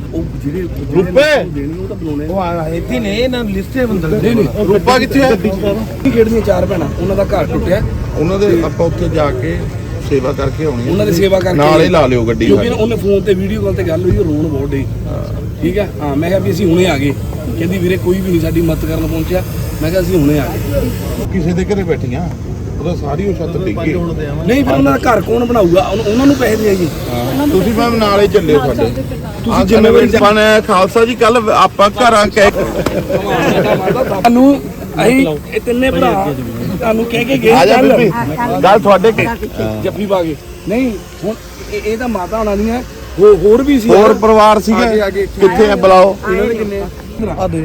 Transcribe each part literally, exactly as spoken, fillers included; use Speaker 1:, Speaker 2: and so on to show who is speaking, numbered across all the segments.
Speaker 1: ਉਹ ਜਿਹੜੇ
Speaker 2: ਰੁਪਏ
Speaker 1: ਦੇਣੇ ਉਹ ਤਾਂ ਬੁਲਾਉਣੇ
Speaker 3: ਉਹ ਆ ਇੱਥੇ ਨੇ ਇਹਨਾਂ ਨੂੰ ਲਿਸਟੇ ਬੰਦੇ
Speaker 1: ਨਹੀਂ ਨਹੀਂ
Speaker 2: ਰੂਪਾ ਕਿੱਥੇ ਹੈ?
Speaker 1: ਖੇਡਦੀਆਂ ਚਾਰ ਭੈਣਾਂ ਉਹਨਾਂ ਦਾ ਘਰ ਟੁੱਟਿਆ
Speaker 2: ਉਹਨਾਂ ਦੇ ਆਪਾਂ ਉੱਥੇ ਜਾ ਕੇ ਸੇਵਾ ਕਰਕੇ ਆਉਣੀ ਹੈ।
Speaker 1: ਉਹਨਾਂ ਦੀ ਸੇਵਾ ਕਰਕੇ
Speaker 2: ਨਾਲ ਹੀ ਲਾ ਲਿਓ ਗੱਡੀ
Speaker 1: ਕਿਉਂਕਿ ਉਹਨੇ ਫੋਨ ਤੇ ਵੀਡੀਓ ਕਾਲ ਤੇ ਗੱਲ ਹੋਈ, ਉਹ ਰੋਣ ਬਹੁਤ ਡਈ। ਠੀਕ ਹੈ ਹਾਂ, ਮੈਂ ਕਿਹਾ ਵੀ ਅਸੀਂ ਹੁਣੇ ਆ ਗਏ। ਕਹਿੰਦੀ ਵੀਰੇ ਕੋਈ ਵੀ ਨਹੀਂ ਸਾਡੀ ਮਦਦ ਕਰਨ ਪਹੁੰਚਿਆ। ਮੈਂ ਕਿਹਾ ਅਸੀਂ ਹੁਣੇ ਆ ਗਏ।
Speaker 2: ਕਿਸੇ ਦੇ ਘਰੇ ਬੈਠੀਆਂ ਉਹਦਾ ਸਾਰੀ ਉਹ ਛੱਤ ਡਿੱਗ ਗਈ।
Speaker 1: ਨਹੀਂ ਫਿਰ ਉਹਨਾਂ ਦਾ ਘਰ ਕੌਣ ਬਣਾਊਗਾ? ਉਹਨਾਂ ਨੂੰ ਪੈਸੇ ਦੇਈਏ।
Speaker 2: ਤੁਸੀਂ ਮੈਮ ਨਾਲ ਹੀ ਚੱਲੇ ਸਾਡੇ।
Speaker 1: ਤੁਸੀਂ ਜ਼ਿੰਮੇਵਾਰੀ
Speaker 2: ਬਣ ਖਾਲਸਾ ਜੀ ਕੱਲ ਆਪਾਂ ਘਰਾਂ ਕਹਿ
Speaker 1: ਤੁਹਾਨੂੰ ਅਸੀਂ ਇਹ ਤਿੰਨੇ ਭਰਾ ਤੁਹਾਨੂੰ ਕਹਿ ਕੇ ਗਏ
Speaker 2: ਆ ਜਾ ਬੀਬੀ ਗੱਲ ਤੁਹਾਡੇ
Speaker 1: ਜੱਫੀ ਪਾ ਕੇ। ਨਹੀਂ ਹੁਣ ਇਹ ਇਹ ਤਾਂ ਮਾਤਾ ਹੋਣਾ ਦੀਆਂ ਹੋਰ ਹੋਰ ਵੀ ਸੀ,
Speaker 2: ਹੋਰ ਪਰਿਵਾਰ ਸੀਗਾ। ਕਿੱਥੇ ਆ ਬੁਲਾਓ
Speaker 1: ਇਹਨਾਂ ਦੇ ਕਿੰਨੇ ਆ ਦੇ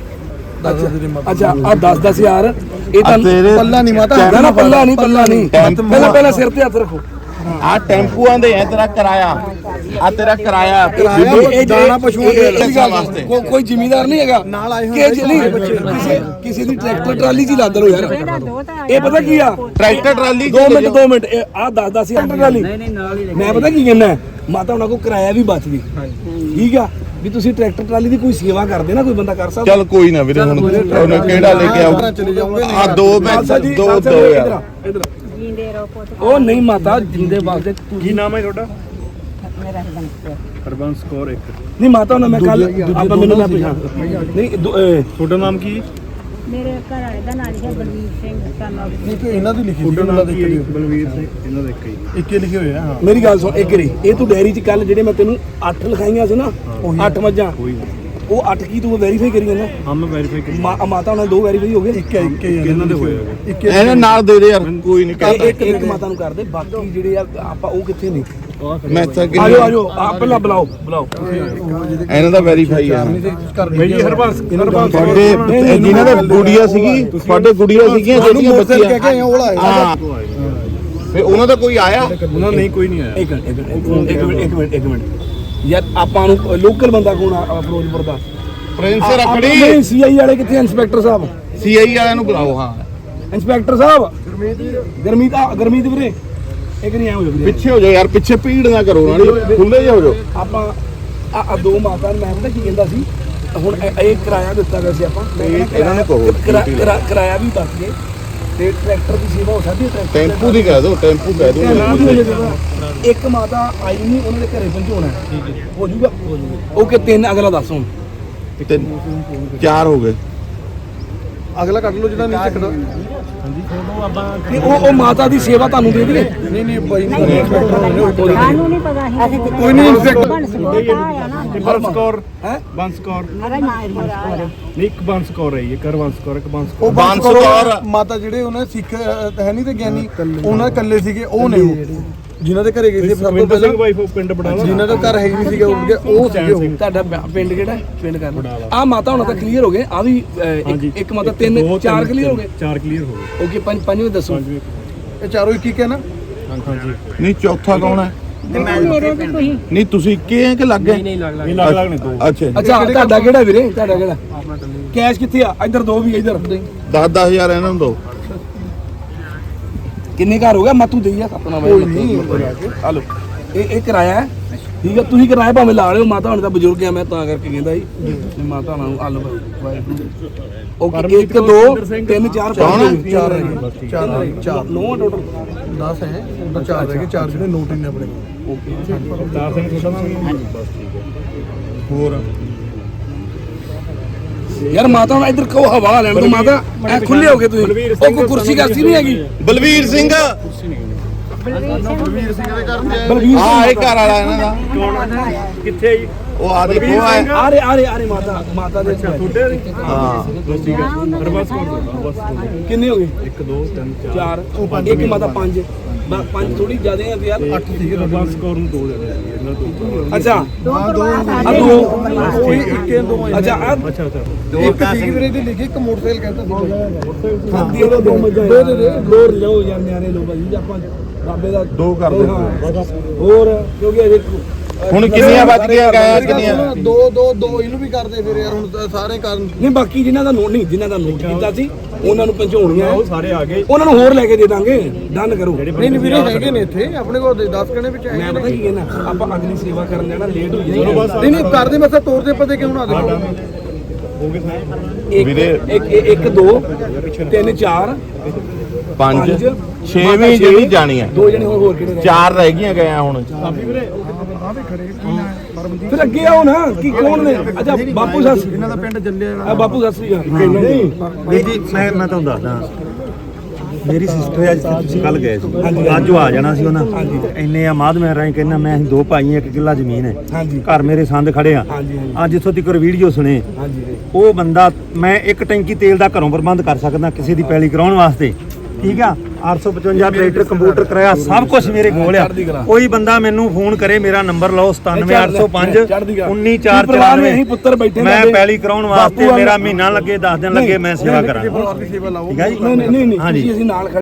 Speaker 1: ਅੱਛਾ ਆ ਦਸ ਦਸ ਹਜ਼ਾਰ ਇਹ ਤਾਂ
Speaker 3: ਪੱਲਾ ਨਹੀਂ ਮਾਤਾ
Speaker 1: ਨਾ ਨਾ ਪੱਲਾ ਨਹੀਂ ਪੱਲਾ ਨਹੀਂ ਪਹਿਲਾਂ ਪਹਿਲਾਂ ਸਿਰ ਤੇ ਹੱਥ ਰੱਖੋ।
Speaker 2: ਆ ਟੈਂਪੂਆਂ ਦੇ ਹੈ ਤੇਰਾ ਕਿਰਾਇਆ, ਆ ਤੇਰਾ ਕਿਰਾਇਆ
Speaker 1: ਦਾਣਾ ਪਸ਼ੂਆਂ ਦੇ ਵਾਸਤੇ। ਕੋਈ ਜ਼ਿਮੀਂਦਾਰ ਨਹੀਂ ਹੈਗਾ ਨਾਲ ਆਏ ਹੋਏ ਕਿਸੇ ਕਿਸੇ ਦੀ ਟਰੈਕਟਰ ਟਰਾਲੀ 'ਚ ਲੱਦ ਲੋ ਯਾਰ। ਇਹ ਪਤਾ ਕੀ ਆ
Speaker 2: ਟਰੈਕਟਰ ਟਰਾਲੀ
Speaker 1: ਦੋ ਮਿੰਟ ਦੋ ਮਿੰਟ ਆ ਦਸ ਦਸ ਹਜ਼ਾਰ ਟਰਾਲੀ। ਮੈਂ ਪਤਾ ਕੀ ਕਹਿੰਦਾ ਮਾਤਾ ਉਹਨਾਂ ਕੋ ਕਿਰਾਇਆ ਵੀ ਬਚ ਗਈ। ਠੀਕ ਆ ਵੀ ਤੁਸੀਂ ਟਰੈਕਟਰ ਟਰਾਲੀ ਦੀ ਕੋਈ ਸੇਵਾ ਕਰਦੇ ਨਾ, ਕੋਈ ਬੰਦਾ ਕਰ ਸਕਦਾ।
Speaker 2: ਚੱਲ ਕੋਈ ਨਾ ਵੀਰੇ, ਹੁਣ ਉਹਨੇ ਕਿਹੜਾ ਲੈ ਕੇ ਆਉ ਆ ਦੋ ਮੈਂ ਦੋ ਦੋ ਯਾਰ।
Speaker 1: ਉਹ ਨਹੀਂ ਮਾਤਾ ਜਿੰਦੇ ਵਾਸਤੇ
Speaker 4: ਕੀ ਨਾਮ ਹੈ ਤੁਹਾਡਾ?
Speaker 5: ਮੇਰਾ ਹਰਬੰਸ
Speaker 4: ਹਰਬੰਸ ਕੌਰ ਇੱਕ।
Speaker 1: ਨਹੀਂ ਮਾਤਾ ਉਹਨਾਂ ਮੈਂ ਕੱਲ ਆਪਾਂ ਮੈਨੂੰ ਮੈਂ ਪਛਾਣ ਨਹੀਂ
Speaker 4: ਤੁਹਾਡਾ ਨਾਮ ਕੀ?
Speaker 5: ਮੇਰੇ ਘਰ ਵਾਲੇ ਦਾ ਨਾਮ ਹੈ ਬਲਵੀਰ ਸਿੰਘ ਸਾਨੂੰ
Speaker 3: ਨਹੀਂ ਇਹਨਾਂ ਦੀ ਲਿਖੀ
Speaker 4: ਤੁਹਾਡਾ ਨਾਮ ਕੀ ਹੈ? ਬਲਵੀਰ ਸਿੰਘ। ਇਹਨਾਂ ਦਾ ਇੱਕ ਹੀ
Speaker 3: ਇੱਕੇ ਲਿਖੇ ਹੋਏ ਆ। ਹਾਂ
Speaker 1: ਮੇਰੀ ਗੱਲ ਸੁਣ ਇੱਕ ਰੀ, ਇਹ ਤੂੰ ਡੈਰੀ 'ਚ ਕੱਲ ਜਿਹੜੇ ਮੈਂ ਤੈਨੂੰ ਅੱਠ ਲਿਖਾਈਆਂ ਸੀ ਨਾ, ਅੱਠ ਮੱਝਾਂ, ਉਹ ਅੱਠ ਕੀ ਤੂੰ ਵੈਰੀਫਾਈ ਕਰੀ ਜਾਂਦਾ?
Speaker 4: ਹਾਂ ਮੈਂ ਵੈਰੀਫਾਈ ਕੀਤੀ।
Speaker 1: ਮਾਤਾ ਉਹਨਾਂ ਦੋ ਵੈਰੀਫਾਈ ਹੋ ਗਏ।
Speaker 3: ਇੱਕ ਇੱਕ
Speaker 4: ਇਹਨਾਂ ਦੇ ਹੋਏ ਹੈਗੇ।
Speaker 3: ਇੱਕ
Speaker 2: ਇਹਨਾਂ ਨਾਲ ਦੇ ਦੇ ਯਾਰ, ਕੋਈ ਨਹੀਂ
Speaker 1: ਇਹ ਇੱਕ ਇੱਕ ਮਾਤਾ ਨੂੰ ਕਰਦੇ, ਬਾਕੀ ਜਿਹੜੇ ਆ ਆਪਾਂ ਉਹ ਕਿੱਥੇ ਨਹੀਂ।
Speaker 2: ਮੈਂ ਤਾਂ
Speaker 1: ਆਜੋ ਆਜੋ ਆ ਪਹਿਲਾਂ ਬੁਲਾਓ ਬੁਲਾਓ
Speaker 2: ਇਹਨਾਂ ਦਾ ਵੈਰੀਫਾਈ ਆ
Speaker 4: ਬਈ ਜੀ ਹਰਬੰਸ ਹਰਬੰਸ
Speaker 2: ਤੁਹਾਡੇ ਜਿਨ੍ਹਾਂ ਦੇ ਗੁੜੀਆ ਸੀਗੀ, ਤੁਹਾਡੇ ਗੁੜੀਆ ਸੀਗੀਆਂ ਜਿਹੜੀਆਂ ਬੱਚੀਆਂ
Speaker 3: ਕਹਿ ਕੇ ਉਹ ਆਏ
Speaker 2: ਹਾਂ ਫੇ ਉਹਨਾਂ ਦਾ ਕੋਈ ਆਇਆ?
Speaker 4: ਉਹਨਾਂ ਨਹੀਂ ਕੋਈ ਨਹੀਂ ਆਇਆ।
Speaker 1: ਇੱਕ ਮਿੰਟ ਇੱਕ ਮਿੰਟ ਇੱਕ ਮਿੰਟ ਇੱਕ ਮਿੰਟ ਇੱਕ ਮਿੰਟ ਯਾਰ ਆਪਾਂ ਨੂੰ ਲੋਕਲ ਬੰਦਾ ਕੋਣ ਆ ਫਿਰੋਜ਼ਪੁਰ ਦਾ?
Speaker 2: ਪ੍ਰਿੰਸ ਰਖੜੀ
Speaker 1: ਨਹੀਂ ਸੀਆਈ ਵਾਲੇ ਕਿੱਥੇ? ਇੰਸਪੈਕਟਰ ਸਾਹਿਬ
Speaker 2: ਸੀਆਈ ਵਾਲਿਆਂ ਨੂੰ ਬੁਲਾਓ। ਹਾਂ
Speaker 1: ਇੰਸਪੈਕਟਰ ਸਾਹਿਬ ਗਰਮੀਤ ਆ ਗਰਮੀਤ ਵੀਰੇ ਇੱਕ ਨਹੀਂ ਆਏ ਹੋ ਵੀਰੇ,
Speaker 2: ਪਿੱਛੇ ਹੋ ਜਾਓ ਯਾਰ, ਪਿੱਛੇ ਭੀੜ ਨਾ ਕਰੋ ਨਾ, ਖੁੱਲੇ ਜਾ ਹੋ ਜਾਓ।
Speaker 1: ਆਪਾਂ ਆ ਦੋ ਮਾਤਾ ਮੈਂ ਪਤਾ ਕੀ ਕਹਿੰਦਾ ਸੀ, ਹੁਣ ਇਹ ਕਿਰਾਇਆ ਦਿੱਤਾ ਗਿਆ ਸੀ ਆਪਾਂ,
Speaker 2: ਇਹਨਾਂ ਨੂੰ ਕਹੋ
Speaker 1: ਕਿਰਾਇਆ ਵੀ ਬਚ ਗਏ ਤੇ ਟਰੈਕਟਰ ਦੀ ਸੇਵਾ ਹੋ ਸਕਦੀ ਹੈ।
Speaker 2: ਟੈਂਪੂ ਦੀ ਕਹਿ ਦਿਓ, ਟੈਂਪੂ ਕਹਿ ਦਿਓ।
Speaker 1: ਇੱਕ ਮਾਤਾ ਆਈ ਨਹੀਂ, ਉਹਨਾਂ ਦੇ ਘਰੇ ਪਹੁੰਚਾਉਣਾ ਹੋ ਜੂਗਾ। ਓਕੇ ਤਿੰਨ ਅਗਲਾ ਦੱਸ ਹੁਣ।
Speaker 2: ਤਿੰਨ ਚਾਰ ਹੋ ਗਏ।
Speaker 3: ਅਗਲਾ ਕੱਢ ਲਓ ਜਿਹੜਾ ਨਹੀਂ ਚੱਕਦਾ।
Speaker 1: ਨਹੀਂ ਉਹ ਉਹ ਮਾਤਾ ਦੀ ਸੇਵਾ ਤੁਹਾਨੂੰ ਦੇ ਦੇਵੇ।
Speaker 3: ਨਹੀਂ ਨਹੀਂ ਬਾਈ ਨਹੀਂ
Speaker 5: ਸਾਨੂੰ ਨਹੀਂ ਪਤਾ ਸੀ
Speaker 3: ਕੋਈ ਨਹੀਂ ਇੰਸਪੈਕਟਰ
Speaker 4: ਹਰਬੰਸ ਕੌਰ
Speaker 1: ਹੈ
Speaker 4: ਬੰਸ ਕੌਰ
Speaker 5: ਅਰੇ ਮਾਰ
Speaker 4: ਨਹੀਂ ਇੱਕ ਬੰਸ ਕੌਰ ਹੈ, ਇੱਕ ਹਰਬੰਸ ਕੌਰ ਇੱਕ ਬੰਸ
Speaker 3: ਉਹ
Speaker 4: ਕੌਰ।
Speaker 2: ਬਾਂਸ ਕੌਰ
Speaker 3: ਮਾਤਾ ਜਿਹੜੇ ਉਹਨਾਂ ਦੇ ਸਿੱਖ ਅਹ, ਹੈ ਨਹੀਂ ਤੇ ਗਿਆਨੀ, ਉਹਨਾਂ ਇਕੱਲੇ ਸੀਗੇ। ਉਹ ਨੇ ਉਹ ਜਿਨ੍ਹਾਂ ਦੇ ਘਰੇ ਗਏ ਸੀ ਸਭ ਤੋਂ
Speaker 4: ਸੁਖਵਿੰਦਰ
Speaker 3: ਪਹਿਲਾਂ,
Speaker 4: ਸਿੰਘ ਵਾਈਫ ਉਹ ਪਿੰਡ ਬੜਾਲਾ।
Speaker 3: ਜਿਨ੍ਹਾਂ ਦਾ ਘਰ ਹੈ ਨਹੀਂ ਸੀਗਾ ਉੱਡ ਗਿਆ, ਉਹ ਸੀਗੇ ਉਹ।
Speaker 1: ਤੁਹਾਡਾ ਪਿੰਡ ਕਿਹੜਾ? ਪਿੰਡ ਕਰ ਆ ਮਾਤਾ ਹੁਣ ਤਾਂ ਕਲੀਅਰ ਹੋ ਗਏ। ਆ ਵੀ ਇੱਕ ਇੱਕ ਮਾਤਾ ਤਿੰਨ ਚਾਰ ਕਲੀਅਰ ਹੋ ਗਏ।
Speaker 4: ਚਾਰ ਕਲੀਅਰ ਹੋ ਗਏ।
Speaker 1: ਓਕੇ ਪੰਜ ਪੰਜਵੇਂ ਦੱਸੋ।
Speaker 3: ਇਹ ਚਾਰੋਂ ਇੱਕ ਇੱਕ ਹੈ ਨਾ?
Speaker 4: ਹਾਂਜੀ
Speaker 2: ਨਹੀਂ ਚੌਥਾ ਕੌਣ ਹੈ?
Speaker 5: ਮੇਰੇ ਤੇ ਕੋਈ
Speaker 2: ਨਹੀਂ ਤੁਸੀਂ ਇੱਕੇ ਹੈ ਕਿ ਲੱਗ ਗਏ?
Speaker 4: ਨਹੀਂ ਲੱਗ ਲੱਗ ਨੇ ਦੋ।
Speaker 2: ਅੱਛਾ
Speaker 1: ਅੱਛਾ ਤੁਹਾਡਾ ਕਿਹੜਾ ਵੀਰੇ? ਤੁਹਾਡਾ ਕਿਹੜਾ? ਕੈਸ਼ ਕਿੱਥੇ ਆ? ਇੱਧਰ ਦੋ ਵੀ ਇੱਧਰ
Speaker 2: ਦਸ ਦਸ ਹਜ਼ਾਰ ਇਹਨਾਂ ਨੂੰ ਦਿਓ।
Speaker 1: ਕਿੰਨੇ ਘਰ ਹੋ ਗਿਆ? ਮਾਤੂ ਦੇਈ ਆ ਆਪਣਾ
Speaker 3: ਕੋਈ ਨਹੀਂ
Speaker 1: ਹਲੋ ਇਹ ਇਹ ਕਿਰਾਇਆ ਹੈ। ਠੀਕ ਹੈ ਤੁਸੀਂ ਕਿਰਾਇਆ ਭਾਵੇਂ ਲਾ ਲਿਓ। ਮਾਤਾ ਹੁਣ ਤਾਂ ਬਜ਼ੁਰਗ ਆ, ਮੈਂ ਤਾਂ ਕਰਕੇ ਕਹਿੰਦਾ ਜੀ ਮਾਤਾ ਨੂੰ ਹਲੋ ਓਕੇ। ਇੱਕ ਦੋ ਤਿੰਨ ਚਾਰ ਪੰਜ
Speaker 3: ਚਾਰ ਰਹਿ ਗਏ। ਚਾਰ ਰਹਿ ਗਏ। ਚਾਰ
Speaker 1: ਨੌ ਟੋਟਲ
Speaker 3: ਦਸ ਹੈ, ਉਹਦਾ ਚਾਰ ਰਹਿ ਗਏ। ਚਾਰ ਜਿਹੜੇ ਨੋਟ ਨੇ ਆਪਣੇ
Speaker 1: ਓਕੇ।
Speaker 4: ਚਾਰ ਸਿੰਘ ਤੁਹਾਡਾ ਨਾਮ? ਬਸ ਠੀਕ ਹੈ। ਹੋਰ
Speaker 1: ਯਾਰ ਮਾਤਾ ਹੁਣ ਇੱਧਰ ਕਹੋ ਹਵਾ ਲੈਣ ਤੋਂ। ਮਾਤਾ ਐ ਖੁੱਲੇ ਹੋ ਗਏ ਤੁਸੀਂ। ਉਹ ਕੋਈ ਕੁਰਸੀ ਕਰਸੀ ਨਹੀਂ ਹੈਗੀ?
Speaker 2: ਬਲਵੀਰ ਸਿੰਘ
Speaker 3: ਬਲਵੀਰ ਸਿੰਘ ਦੇ ਘਰ ਤੇ
Speaker 1: ਬਲਵੀਰ
Speaker 2: ਹਾਂ ਇਹ ਘਰ ਵਾਲਾ ਇਹਨਾਂ ਦਾ।
Speaker 4: ਕੌਣ ਕਿੱਥੇ ਜੀ?
Speaker 2: ਉਹ ਆ ਦੇਖੋ ਆ
Speaker 1: ਆ ਰਹੇ ਆ ਰਹੇ ਆ ਰਹੇ ਮਾਤਾ ਮਾਤਾ ਦੇ
Speaker 4: ਤੁਹਾਡੇ
Speaker 2: ਹਾਂ
Speaker 4: ਬਸ ਠੀਕ ਹੈ। ਹਰਬੰਸ ਕੌਰ ਦਾ ਬਸ
Speaker 1: ਕਿੰਨੇ ਹੋ ਗਏ?
Speaker 4: ਇੱਕ ਦੋ ਤਿੰਨ ਚਾਰ
Speaker 1: ਚਾਰ ਇੱਕ ਮਾਤਾ ਪੰਜ ਬਸ ਪੰਜ ਥੋੜੀ ਜ਼ਿਆਦਾ ਆ ਯਾਰ।
Speaker 4: ਅੱਠ ਸੀਗੇ। ਹਰਬੰਸ ਕੌਰ ਨੂੰ ਦੋ ਦੇ ਦੇ ਇਹਨਾਂ ਤੋਂ।
Speaker 1: ਅੱਛਾ
Speaker 3: ਹਾਂ ਦੋ
Speaker 1: ਆ ਦੋ
Speaker 3: ਕੋਈ ਇੱਕੇ ਦੋ
Speaker 1: ਅੱਛਾ ਆ
Speaker 4: ਅੱਛਾ ਅੱਛਾ
Speaker 3: ਇੱਕ ਸੀਗੀ ਵੀਰੇ ਦੀ ਲਿਖੀ, ਇੱਕ ਮੋਟਰਸਾਈਕਲ ਕਹਿੰਦਾ
Speaker 1: ਦੇ ਦੋ ਦੋ ਮੱਝਾਂ ਦੋ ਦੇ ਦੇ ਦੋ ਲਓ ਯਾਰ ਨਿਆਰੇ ਲਓ ਭਾਜੀ ਆਪਾਂ ਬਾਬੇ ਦਾ
Speaker 2: ਦੋ ਕਰ ਦਿਓ।
Speaker 1: ਹਾਂ। ਹੋਰ ਕਿਉਂਕਿ ਅਜੇ
Speaker 2: ਹੁਣ ਕਿੰਨੀਆਂ ਵੱਜ ਗਈਆਂ ਗਾਇਆ ਕਿੰਨੀਆਂ
Speaker 3: ਦੋ ਦੋ ਦੋ ਇਹਨੂੰ ਵੀ ਕਰਦੇ ਫਿਰ ਯਾਰ ਹੁਣ ਤਾਂ ਸਾਰੇ ਕਰਨ
Speaker 1: ਨਹੀਂ ਬਾਕੀ ਜਿਨ੍ਹਾਂ ਦਾ ਨੋਟ ਨਹੀਂ ਜਿਨ੍ਹਾਂ ਦਾ ਨੋਟ ਕੀਤਾ ਸੀ ਉਹਨਾਂ ਨੂੰ ਪਹੁੰਚਾਉਣੀਆਂ
Speaker 4: ਉਹ ਸਾਰੇ ਆ ਗਏ
Speaker 1: ਉਹਨਾਂ ਨੂੰ ਹੋਰ ਲੈ ਕੇ ਦੇ ਦਾਂਗੇ ਡਨ ਕਰੋ।
Speaker 3: ਨਹੀਂ ਨਹੀਂ ਵੀਰੇ ਹੈਗੇ ਨੇ ਇੱਥੇ ਆਪਣੇ ਕੋਲ ਦਸ ਕਣੇ ਵਿੱਚ
Speaker 1: ਮੈਂ
Speaker 3: ਹੈਗੇ
Speaker 1: ਪਤਾ ਕੀ ਕਹਿਣਾ ਆਪਾਂ ਅਗਲੀ ਸੇਵਾ ਕਰਨ ਜਾਣਾ ਲੇਟ ਹੋ ਜਾਏਗਾ।
Speaker 3: ਨਹੀਂ ਨਹੀਂ ਕਰਦੇ ਮੈਂ ਤੋਰ ਦੇ ਪਤੇ ਕਿਉਂ ਨਾ ਦੇਖੋ
Speaker 4: ਹੋ ਗਏ ਸਾਰੇ
Speaker 1: ਇੱਕ ਇੱਕ ਇੱਕ ਦੋ ਤਿੰਨ ਚਾਰ
Speaker 2: ਪੰਜ
Speaker 1: ਪੰਜ,
Speaker 2: ਛੇਵੀਂ ਜਿਹੜੀ ਜਾਣੀ ਹੈ
Speaker 1: ਦੋ ਜਣੇ ਹੋਰ ਹੋਰ ਕਿਹੜੇ ਰਹਿ
Speaker 2: ਚਾਰ ਰਹਿ ਗਈਆਂ ਗਾਇਆ ਹੁਣ
Speaker 1: ਗਏ? ਫਿਰ ਅੱਗੇ ਆਓ ਨਾ ਕੀ ਕੌਣ ਨੇ? ਅੱਛਾ ਬਾਪੂ ਸੱਸ
Speaker 3: ਇਹਨਾਂ ਦਾ ਪਿੰਡ ਜੱਲੇ
Speaker 1: ਆ ਬਾਪੂ ਸੱਸ ਵੀ ਨਹੀਂ
Speaker 6: ਵੀਰ ਜੀ ਮੈਂ ਮੈਂ ਤੁਹਾਨੂੰ ਦੱਸਦਾ ਮੇਰੀ ਸਿਸਟਰ ਅੱਜ ਤੁਸੀਂ ਕੱਲ ਗਏ ਸੀ ਅੱਜ ਉਹ ਆ ਜਾਣਾ ਸੀ ਉਹਨਾਂ ਇੰਨੇ ਆ ਮਾਧ ਮੈਂ ਰਾਈ ਕਹਿੰਦਾ ਮੈਂ ਅਸੀਂ ਦੋ ਭਾਈ ਇੱਕ ਕਿੱਲਾ ਜ਼ਮੀਨ ਹੈ
Speaker 1: ਹਾਂਜੀ
Speaker 6: ਘਰ ਮੇਰੇ ਸੰਦ ਖੜੇ ਆ
Speaker 1: ਹਾਂਜੀ ਹਾਂਜੀ
Speaker 6: ਅੱਜ ਇੱਥੋਂ ਤੱਕ ਵੀਡੀਓ ਸੁਣੇ
Speaker 1: ਹਾਂਜੀ
Speaker 6: ਉਹ ਬੰਦਾ ਮੈਂ ਇੱਕ ਟੈਂਕੀ ਤੇਲ ਦਾ ਘਰੋਂ ਪ੍ਰਬੰਧ ਕਰ ਸਕਦਾ ਕਿਸੇ ਦੀ ਪੈਲੀ ਕਰਾਉਣ ਵਾਸਤੇ ਠੀਕ ਆ ਅੱਠ ਸੌ ਪਚਵੰਜਾ ਟਰੈਕਟਰ ਕੰਪਿਊਟਰ ਕਰਾਇਆ ਸਭ ਕੁਝ ਮੇਰੇ ਕੋਲ ਆ ਕੋਈ ਬੰਦਾ ਮੈਨੂੰ ਫੋਨ ਕਰੇ ਮੇਰਾ ਨੰਬਰ ਲਓ ਸਤਾਨਵੇਂ ਅੱਠ ਸੌ ਪੰਜ ਉੱਨੀ ਚਾਰ ਚੌਰਾਨਵੇਂ
Speaker 1: ਪੁੱਤਰ ਬੈਠੇ
Speaker 6: ਮੈਂ ਪੈਲੀ ਕਰਾਉਣ ਵਾਸਤੇ ਮੇਰਾ ਮਹੀਨਾ ਲੱਗੇ ਦਸ ਦਿਨ ਲੱਗੇ ਮੈਂ ਸੇਵਾ ਕਰਾਂ
Speaker 3: ਪਰਿਵਾਰ ਦੀ ਸੇਵਾ ਲਾਓ
Speaker 6: ਠੀਕ ਆ ਜੀ
Speaker 1: ਨਹੀਂ ਨਹੀਂ ਨਹੀਂ
Speaker 6: ਹਾਂਜੀ।
Speaker 1: ਤੁਸੀਂ ਅਸੀਂ ਨਾਲ